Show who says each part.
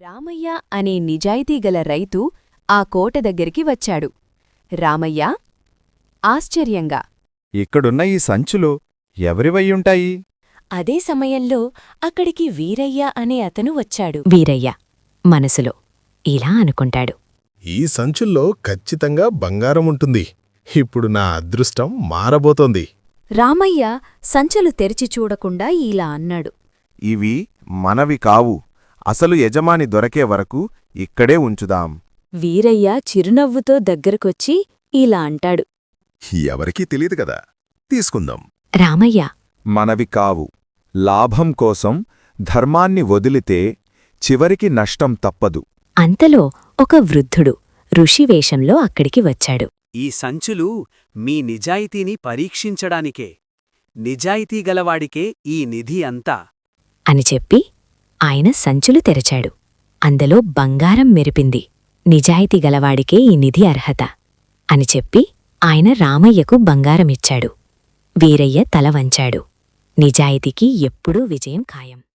Speaker 1: రామయ్య అనే నిజాయితీగల రైతు ఆ కోట దగ్గరికి వచ్చాడు. రామయ్య ఆశ్చర్యంగా,
Speaker 2: ఇక్కడున్న ఈ సంచులు ఎవరివయ్యుంటాయి?
Speaker 1: అదే సమయంలో అక్కడికి వీరయ్య అనే అతను వచ్చాడు. వీరయ్య మనసులో ఇలా అనుకుంటాడు,
Speaker 3: ఈ సంచుల్లో ఖచ్చితంగా బంగారముంటుంది. ఇప్పుడు నా అదృష్టం మారబోతోంది.
Speaker 1: రామయ్య సంచులు తెరిచి చూడకుండా ఇలా అన్నాడు,
Speaker 2: ఇవి మనవి కావు. అసలు యజమాని దొరకే వరకు ఇక్కడే ఉంచుదాం.
Speaker 1: వీరయ్య చిరునవ్వుతో దగ్గరకొచ్చి ఇలా అంటాడు,
Speaker 3: ఎవరికీ తెలియదు కదా, తీసుకుందాం.
Speaker 1: రామయ్య
Speaker 2: మనవి కావు. లాభం కోసం ధర్మాన్ని వదిలితే చివరికి నష్టం తప్పదు.
Speaker 1: అంతలో ఒక వృద్ధుడు ఋషివేషంలో అక్కడికి వచ్చాడు.
Speaker 4: ఈ సంచులు మీ నిజాయితీని పరీక్షించడానికే. నిజాయితీగలవాడికే ఈ నిధి అంతా
Speaker 1: అని చెప్పి ఆయన సంచులు తెరచాడు. అందులో బంగారం మెరిపింది. నిజాయితీగలవాడికే ఈ నిధి అర్హత అని చెప్పి ఆయన రామయ్యకు బంగారమిచ్చాడు. వీరయ్య తల వంచాడు. నిజాయితీకి ఎప్పుడూ విజయం ఖాయం.